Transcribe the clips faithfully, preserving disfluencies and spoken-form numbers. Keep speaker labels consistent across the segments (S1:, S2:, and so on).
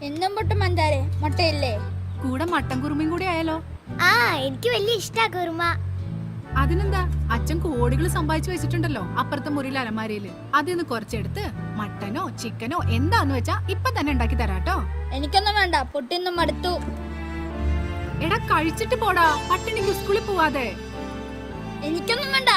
S1: എന്നും പൊട്ടും മന്ദാരെ മുട്ടയില്ലേ?
S2: കൂടെ മട്ടൻ കുറുമയും കൂടി ആയാലോ?
S1: ആ, എനിക്ക് വലിയ ഇഷ്ടാ കുറുമ.
S2: അതിനെന്താ, അച്ഛൻ കോടികൾ സമ്പാദിച്ചു വെച്ചിട്ടുണ്ടല്ലോ അപ്പുറത്തെ മുറിയിലെ അലമാരയില്. അതിന്ന് കുറച്ചെടുത്ത് മട്ടനോ ചിക്കനോ എന്താന്ന് വെച്ചാ ഇപ്പൊ തന്നെ ഉണ്ടാക്കി തരാട്ടോ.
S1: എനിക്കൊന്നും വേണ്ട, പൊട്ടിന്നും മടുത്തു.
S2: എടാ കഴിച്ചിട്ട് പോടാ, പട്ടിണിക്ക് സ്കൂളിൽ പോവാതെ.
S1: എനിക്കൊന്നും വേണ്ട.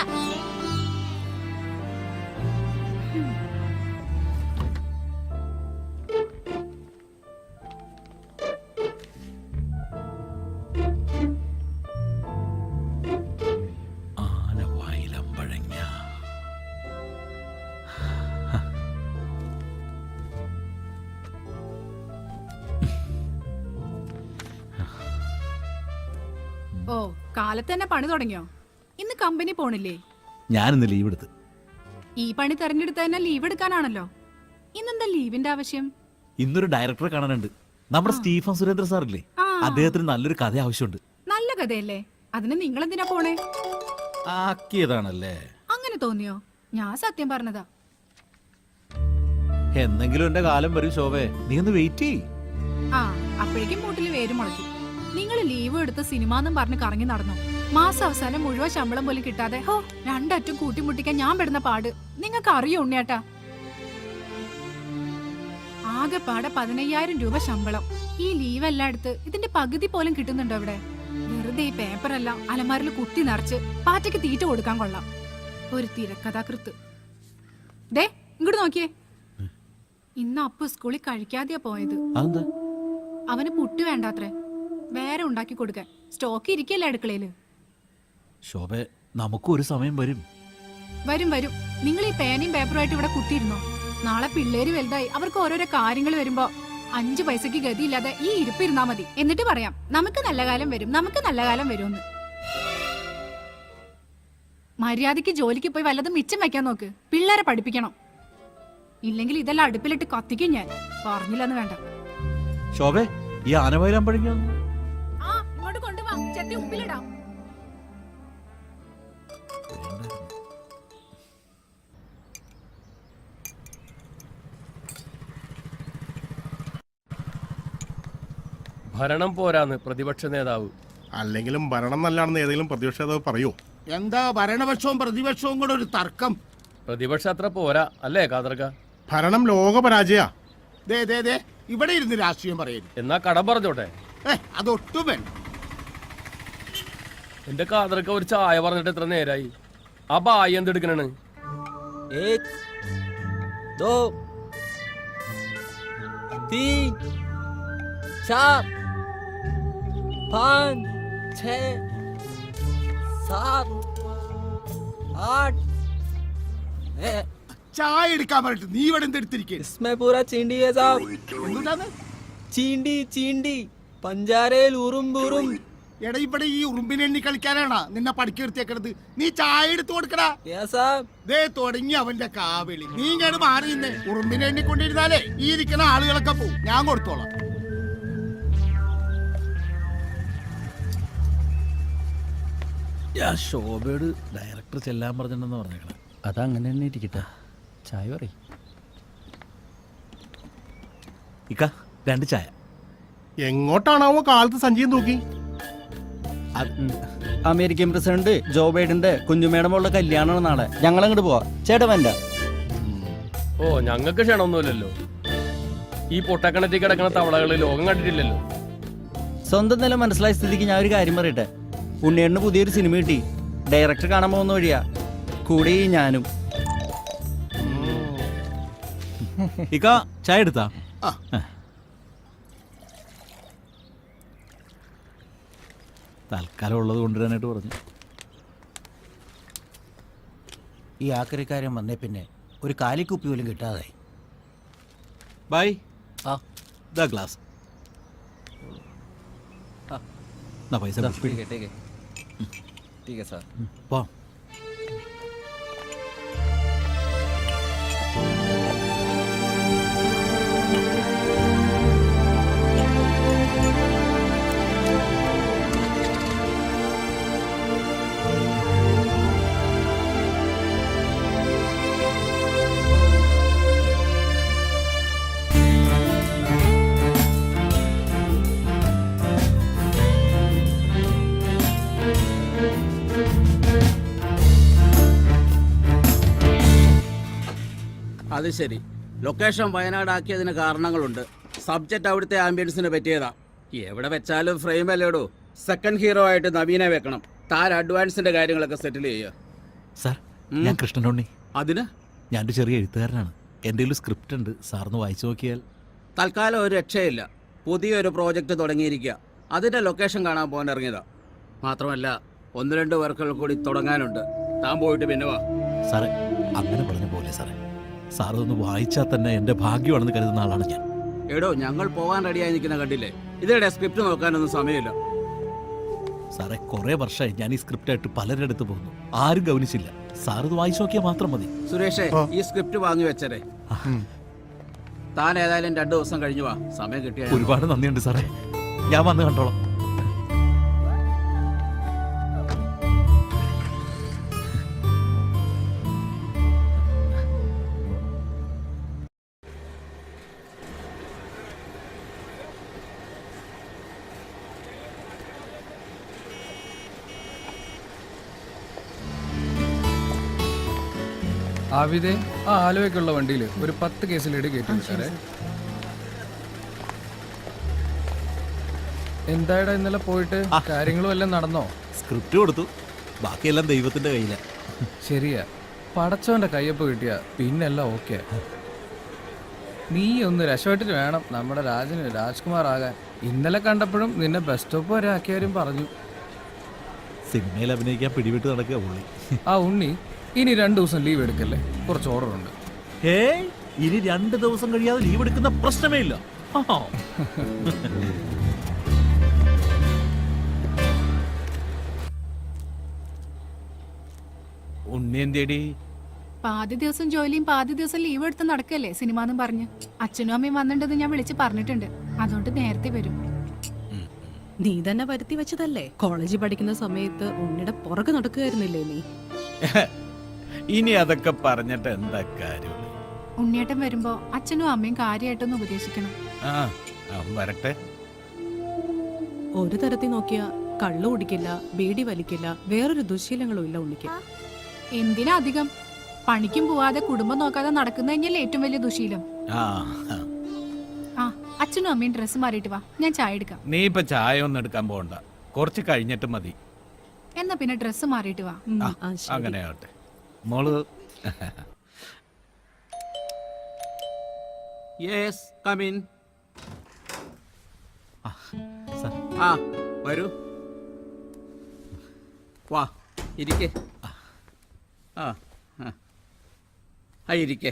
S2: ഓ, കാലത്ത് തന്നെ പണി തുടങ്ങിയോ? ഇന്ന് കമ്പനി പോണില്ലേ?
S3: ഞാനിന്ന് ലീവ് എടുത്ത്.
S2: ഈ പണി തെരഞ്ഞെടുത്ത തന്നെ ലീവ് എടുക്കാനാണല്ലോ. ഇന്നെന്താ ലീവിന്റെ ആവശ്യം?
S3: ഇന്നൊരു ഡയറക്ടറെ കാണാനുണ്ട്. നമ്മുടെ സ്റ്റീഫൻ സുരേന്ദ്ര സാറില്ലേ, അദ്ദേഹത്തിന് നല്ലൊരു കഥ ആവശ്യമുണ്ട്.
S2: നല്ല കഥയല്ലേ, അതിന് നിങ്ങൾ എന്തിനാ പോണേ?
S3: ആക്കിയതാണല്ലേ.
S2: അങ്ങനെ തോന്നിയോ? ഞാൻ സത്യം പറഞ്ഞതാ.
S3: എന്നെങ്കിലും എന്റെ കാലം വരും ശോഭേ, നീ ഒന്ന് വെയിറ്റ് ചെയ്.
S2: ആ, അപ്പോഴേക്കും മൂട്ടില് വേര് മുളയ്ക്കും. നിങ്ങൾ ലീവ് എടുത്ത് സിനിമാന്നും പറഞ്ഞ് കറങ്ങി നടന്നു. മാസം അവസാനം മുഴുവൻ ശമ്പളം പോലും കിട്ടാതെ ഹോ രണ്ടറ്റും കൂട്ടിമുട്ടിക്കാൻ ഞാൻ പെടുന്ന പാട് നിങ്ങൾക്ക് അറിയോ ഉണ്ണിയേട്ടാ? ആകെ പാടെ പതിനയ്യായിരം രൂപ ശമ്പളം. ഈ ലീവ് എല്ലാം എടുത്ത് ഇതിന്റെ പകുതി പോലും കിട്ടുന്നുണ്ടോ ഇവിടെ? വെറുതെ ഈ പേപ്പറെല്ലാം അലമാരിൽ കുത്തി നിറച്ച് പാറ്റയ്ക്ക് തീറ്റ കൊടുക്കാൻ കൊള്ളാം. ഒരു തിരക്കഥാകൃത്ത്. ദേ ഇങ്ങോട്ട് നോക്കിയേ, ഇന്ന് അപ്പു സ്കൂളിൽ കഴിക്കാതെയാ പോയത്. അവന് പുട്ട് വേണ്ടാത്രേ, വേറെ ഉണ്ടാക്കി കൊടുക്കാൻ. സ്റ്റോക്ക് ഇരിക്കല്ലേ അടുക്കളയില്.
S3: ശോഭേ, നമുക്കും ഒരു സമയം വരും.
S2: വരും വരും. നിങ്ങൾ ഈ പേനയും പേപ്പറുമായിട്ട് ഇവിടെ കുത്തിയിരുന്നോ? നാളെ പിള്ളേര് വലുതായി അവർക്ക് ഓരോരോ കാര്യങ്ങൾ വരുമ്പോ അഞ്ചു പൈസക്ക് ഗതിയില്ലാതെ ഈ ഇരിപ്പിരുന്നാ മതി. എന്നിട്ട് പറയാം നമുക്ക് നല്ല കാലം വരും, നമുക്ക് നല്ല കാലം വരുമെന്ന്. മര്യാദക്ക് ജോലിക്ക് പോയി വല്ലതും മിച്ചം വെക്കാൻ നോക്ക്. പിള്ളേരെ പഠിപ്പിക്കണം. ഇല്ലെങ്കിൽ ഇതെല്ലാം അടുപ്പിലിട്ട് കത്തിക്കും ഞാൻ. പറഞ്ഞില്ലെന്ന് വേണ്ട.
S3: ശോഭേ, ഈ ആനവയലാൻ പഴങ്ങിയ
S2: ആ ഇങ്ങോട്ട് കൊണ്ടുവാ, ചെത്തി ഉപ്പിലിടാം.
S4: ഭരണം പോരാന്ന് പ്രതിപക്ഷ നേതാവ്.
S5: അല്ലെങ്കിലും ഭരണം നല്ലാണെന്ന് ഏതെങ്കിലും പ്രതിപക്ഷ നേതാവ് പറയൂ?
S6: എന്താ ഭരണപക്ഷവും പ്രതിപക്ഷവും കൂടെ ഒരു തർക്കം?
S4: പ്രതിപക്ഷം അത്ര പോരാ അല്ലേ കാതർക്ക?
S5: ഭരണം ലോക പരാജയ.
S6: ദേ ദേ ദേ ഇവിടെ ഇരുന്ന് രാഷ്ട്രീയം പറയരുത്.
S4: എന്നാ കടം പറഞ്ഞോട്ടെ.
S6: ഏ അതൊട്ടും വേണ്ട.
S4: എന്റെ കാതർക്ക ഒരു ചായ പറഞ്ഞിട്ട് എത്ര നേരായി? ആ ബായി എന്തെടുക്കണാണ്?
S6: ചായ എടുക്കാൻ പറഞ്ഞിട്ട് നീ ഇവിടെ എന്തെടുത്തിരിക്കേ?
S7: ചീണ്ടി ചീണ്ടി പഞ്ചാരയിൽ ഉറുമ്പുറും.
S6: എടാ ഇവിടെ ഈ ഉറുമ്പിനെ എണ്ണി കളിക്കാനാണ് നിന്നെ പഠിക്കി നിർത്തിയേക്കണത്. നീ ചായ എടുത്തു കൊടുക്കടാ. ദേ തുടങ്ങി അവന്റെ കാവിളി. നീ ഇങ്ങോട്ട് മാറി നിന്നേ. ഉറുമ്പിനെ എണ്ണിക്കൊണ്ടിരുന്നാലേ ഈ ഇരിക്കുന്ന ആളുകളൊക്കെ പോവും. ഞാൻ കൊടുത്തോളാം.
S3: ശോഭയോട് ഡയറക്ടർ ചെല്ലാൻ പറഞ്ഞിട്ടുണ്ടെന്ന് പറഞ്ഞേക്കണം.
S7: അതങ്ങനെ തന്നെ ഇരിക്കട്ടെ. ചായ പറയും.
S3: ഇക്ക രണ്ട് ചായ.
S5: എങ്ങോട്ടാണാവോ കാലത്ത് സഞ്ചയം തൂക്കി?
S7: അമേരിക്കൻ പ്രസിഡന്റ് ജോ ബൈഡന്റെ കുഞ്ഞുമേടെ മോളുടെ കല്യാണമാണ് നാളെ. ഞങ്ങൾ അങ്ങോട്ട് പോവാ. ചേട്ടാ വേണ്ട.
S4: ഓ ഞങ്ങൾക്ക് ക്ഷണമൊന്നുമില്ലല്ലോ. ഈ പൊട്ടക്കണത്തിൽ കിടക്കുന്ന തവളകള് ലോകം കണ്ടിട്ടില്ലല്ലോ.
S7: സ്വന്തം നില മനസ്സിലായ സ്ഥിതിക്ക് ഞാൻ ഒരു കാര്യം പറയട്ടെ. ഉണ്ണിയേട്ടന് പുതിയൊരു സിനിമ കിട്ടി. ഡയറക്ടർ കാണാൻ പോകുന്ന വഴിയാ. കൂടി ഞാനും.
S3: ഇക്ക ചായ എടുത്താ? തൽക്കാലം ഉള്ളത് കൊണ്ടുവരാനായിട്ട് പറഞ്ഞു.
S8: ഈ ആക്രിക്കാരൻ വന്നേ പിന്നെ ഒരു കാലിക്കുപ്പി പോലും കിട്ടാതായി.
S3: ബൈ.
S7: ആ
S3: ദാ ഗ്ലാസ്. പൈസ പോ.
S9: അത് ശരി. ലൊക്കേഷൻ വയനാടാക്കിയതിന് കാരണങ്ങളുണ്ട്. സബ്ജക്റ്റ് അവിടുത്തെ ആംബിയൻസിന് പറ്റിയതാ. എവിടെ വെച്ചാലും ഫ്രെയിം അല്ലേടോ. സെക്കൻഡ് ഹീറോ ആയിട്ട് നവീനെ വെക്കണം. താൻ അഡ്വാൻസിന്റെ കാര്യങ്ങളൊക്കെ സെറ്റിൽ ചെയ്യുക.
S3: സാർ, ഞാൻ കൃഷ്ണനുണ്ണി.
S9: അതിന്
S3: ഞാനൊരു ചെറിയ എഴുത്തുകാരനാണ്. എൻ്റെ ഒരു സ്ക്രിപ്റ്റ് ഉണ്ട്, സാറിന് വായിച്ചു നോക്കിയാൽ.
S9: തൽക്കാലം ഒരു രക്ഷയില്ല. പുതിയൊരു പ്രോജക്റ്റ് തുടങ്ങിയിരിക്കുക. അതിന്റെ ലൊക്കേഷൻ കാണാൻ പോകാൻ ഇറങ്ങിയതാ. മാത്രമല്ല ഒന്ന് രണ്ട് വർക്കുകൾ കൂടി തുടങ്ങാനുണ്ട്. താൻ പോയിട്ട് പിന്നെ വാ.
S3: സാറേ, അങ്ങനെ പറഞ്ഞ പോലെ സാറേ, സാർ ഒന്ന് വായിച്ചാൽ തന്നെ എൻ്റെ ഭാഗ്യമാണെന്ന് കരുതുന്ന ആളാണ് ഞാൻ.
S9: എടോ, ഞങ്ങൾ പോകാൻ റെഡിയായി നിൽക്കുന്ന കണ്ടില്ലേ? ഇതിടെ സ്ക്രിപ്റ്റ് നോക്കാനൊന്നും സമയമില്ല.
S3: സാറേ, കുറേ വർഷമായി ഞാൻ ഈ സ്ക്രിപ്റ്റായിട്ട് പലരുടെ അടുത്ത് പോകുന്നു, ആരും ഗവനിച്ചില്ല. സാർ ഇത് വായിച്ചു നോക്കിയാൽ മാത്രം മതി.
S9: സുരേഷേ, ഈ സ്ക്രിപ്റ്റ് വാങ്ങി വെച്ചരേ. താൻ ഏതായാലും രണ്ടു ദിവസം കഴിഞ്ഞു വാ, സമയം കിട്ടിയ.
S3: ഒരുപാട് നന്ദിയുണ്ട് സാറേ, ഞാൻ വന്ന് കണ്ടോളാം.
S10: ആവിദേ, ആ ആലുവയ്ക്കുള്ള വണ്ടിയിൽ ഒരു പത്ത് കേസിലേട് കയറ്റി സാറേ. എന്തായടാ ഇന്നലെ പോയിട്ട് കാര്യങ്ങളും എല്ലാം നടന്നോ?
S3: സ്ക്രിപ്റ്റ് കൊടുത്തു, ബാക്കിയെല്ലാം ദൈവത്തിന്റെ കയ്യിലാണ്.
S10: ശരിയാ, പടച്ചവന്റെ കയ്യൊപ്പ് കിട്ടിയ പിന്നെല്ലാം ഓക്കെ. നീ ഒന്ന് രക്ഷപ്പെട്ടിട്ട് വേണം നമ്മുടെ രാജന് രാജ്കുമാർ ആകാൻ. ഇന്നലെ കണ്ടപ്പോഴും നിന്നെ ബസ് സ്റ്റോപ്പ് വരെ ആക്കിയവരും പറഞ്ഞു.
S3: സിനിമയിൽ അഭിനയിക്കാൻ പിടിവിട്ട് നടക്കുക പുള്ളി.
S10: ആ ഉണ്ണി, ഇനി രണ്ടു ദിവസം ലീവ് എടുക്കല്ലേ, കുറച്ച് ഓർഡർ ഉണ്ട്.
S3: ഏയ്, ഇനി രണ്ട് ദിവസം കഴിയാതെ ലീവ് എടുക്കുന്ന പ്രശ്നമേ ഇല്ല.
S8: ഉണ്ണി എന്തേടി?
S2: പാതി ദിവസം ജോലിയും പാതി ദിവസം ലീവ് എടുത്ത് നടക്കല്ലേ സിനിമ പറഞ്ഞ്. അച്ഛനും അമ്മയും വന്നിട്ടുണ്ടെന്ന് ഞാൻ വിളിച്ച് പറഞ്ഞിട്ടുണ്ട്. അതുകൊണ്ട് നേരത്തെ വരും.
S11: നീ തന്നെ വരുത്തി വെച്ചതല്ലേ? കോളേജിൽ പഠിക്കുന്ന സമയത്ത് ഉണ്ണിയുടെ പുറകെ നടക്കുകയായിരുന്നില്ലേ നീ?
S8: ഇനി അതൊക്കെ പറഞ്ഞിട്ട് എന്താ കാര്യം?
S2: ഉണ്ണിയേട്ടൻ വരുമ്പോ അച്ഛനും അമ്മയും കാര്യമായിട്ടൊന്ന് ഉപദേശിക്കണം.
S8: ആ, അവൻ വരട്ടെ.
S11: ഒരു തരത്തിൽ നോക്കിയാ കള്ളു കുടിക്കില്ല, ബീഡി വലിക്കില്ല, വേറൊരു ദുശീലങ്ങളും ഇല്ല ഉണ്ണിക്ക്.
S2: എന്തിനാ അധികം? പണിക്കും പോവാതെ കുടുംബം നോക്കാതെ നടക്കുന്ന തന്നെയല്ലേ ഏറ്റവും വലിയ ദുശീലം.
S8: ആ,
S2: ആ, അച്ഛനും അമ്മയും ഡ്രസ്സ് മാറിയിട്ട് വാ, ഞാൻ ചായ എടുക്കാം.
S8: നീ ഇപ്പൊ ചായ ഒന്നും എടുക്കാൻ പോകണ്ട, കുറച്ച് കഴിഞ്ഞിട്ട് മതി.
S2: എന്നാ പിന്നെ ഡ്രസ്സ് മാറിയിട്ട് വാ.
S11: ഉം, ആ, ശരി.
S8: അങ്ങനെ ആവട്ടെ മോള്.
S9: Yes, come in.
S3: സാർ,
S9: ആ, വരൂ. വാ, ഇരിക്കേ. ആ ആ ഇരിക്കേ.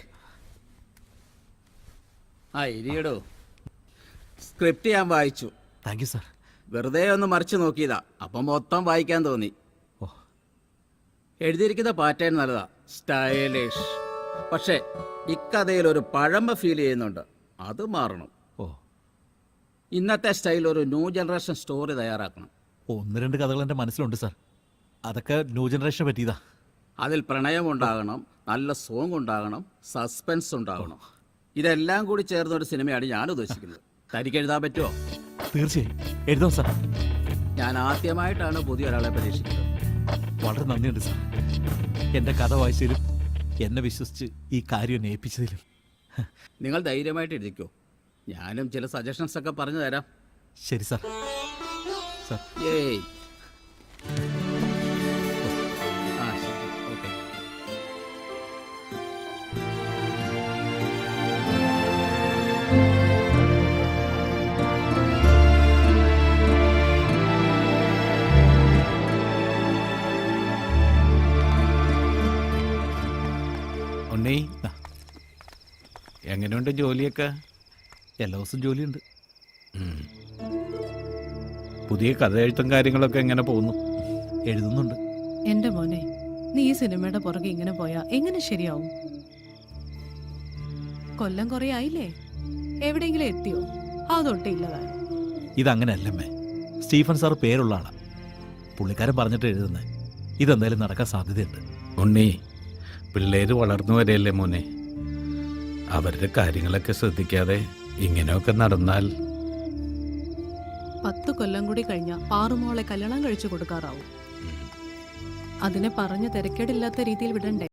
S9: ആ ഇരിയടോ. സ്ക്രിപ്റ്റ് ഞാൻ വായിച്ചു.
S3: Thank you sir.
S9: വെറുതെ ഒന്ന് മറിച്ച് നോക്കിയതാ, അപ്പം മൊത്തം വായിക്കാൻ തോന്നി.
S3: ഓ,
S9: എഴുതിയിരിക്കുന്ന പാറ്റേൺ നല്ലതാ, സ്റ്റൈലിഷ്. പക്ഷേ ഇക്കഥയിൽ ഒരു പഴമ ഫീൽ ചെയ്യുന്നുണ്ട്, അത് മാറണം.
S3: ഓ,
S9: ഇന്നത്തെ സ്റ്റൈൽ ഒരു ന്യൂ ജനറേഷൻ സ്റ്റോറി തയ്യാറാക്കണം.
S3: ഒന്ന് രണ്ട് കഥകൾ എൻ്റെ മനസ്സിലുണ്ട് സാർ. അതൊക്കെ ന്യൂ ജനറേഷനെ പറ്റിയതാ.
S9: അതിൽ പ്രണയം ഉണ്ടാകണം, നല്ല സോങ് ഉണ്ടാകണം, സസ്പെൻസ് ഉണ്ടാകണം. ഇതെല്ലാം കൂടി ചേർന്ന ഒരു സിനിമയാണ് ഞാൻ ഉദ്ദേശിക്കുന്നത്. തനിക്ക് എഴുതാൻ പറ്റുമോ?
S3: തീർച്ചയായും എഴുതാം സാർ.
S9: ഞാൻ ആദ്യമായിട്ടാണ് പുതിയ ഒരാളെ പരീക്ഷിക്കുന്നത്.
S3: വളരെ നന്ദിയുണ്ട് സാർ. എൻ്റെ കഥ വായിച്ചതിലും എന്നെ വിശ്വസിച്ച് ഈ കാര്യം എന്നെ ഏൽപ്പിച്ചതിലും.
S9: നിങ്ങൾ ധൈര്യമായിട്ട് എഴുതിക്കോ, ഞാനും ചില സജഷൻസ് ഒക്കെ പറഞ്ഞു തരാം.
S3: ശരി സാർ. സാർ,
S9: ഏയ് ആ ശരി, ഓക്കെ.
S8: ഉണ്ണി, എങ്ങനെയുണ്ട് ജോലിയൊക്കെ?
S3: എല്ലാ ദിവസവും ജോലിയുണ്ട്.
S8: ഉം. പുതിയ കഥ എഴുത്തും കാര്യങ്ങളൊക്കെ എങ്ങനെ പോകുന്നു?
S3: എഴുതുന്നുണ്ട്.
S11: എന്റെ മോനെ, നീ ഈ സിനിമയുടെ പുറകെ ഇങ്ങനെ പോയാ എങ്ങനെ ശരിയാവും? കൊല്ലം കുറെ ആയില്ലേ, എവിടെയെങ്കിലും എത്തിയോ? അതൊട്ടേ ഇല്ലതായി.
S3: ഇതങ്ങനെയല്ലമ്മേ. സ്റ്റീഫൻ സാർ പേരുള്ള ആളാ, പുള്ളിക്കാരൻ പറഞ്ഞിട്ട് എഴുതുന്നത്. ഇതെന്തായാലും നടക്കാൻ സാധ്യതയുണ്ട്.
S8: ഉണ്ണി, പിള്ളേര് വളർന്നു വരെയല്ലേ മോനെ, അവരുടെ കാര്യങ്ങളൊക്കെ ശ്രദ്ധിക്കാതെ ഇങ്ങനെയൊക്കെ നടന്നാൽ
S11: പത്ത് കൊല്ലം കൂടി കഴിഞ്ഞ പാറുമോളെ കല്യാണം കഴിച്ചു കൊടുക്കാറാവും. അതിനെ പറഞ്ഞ് തിരക്കേടില്ലാത്ത രീതിയിൽ വിടണ്ടേ?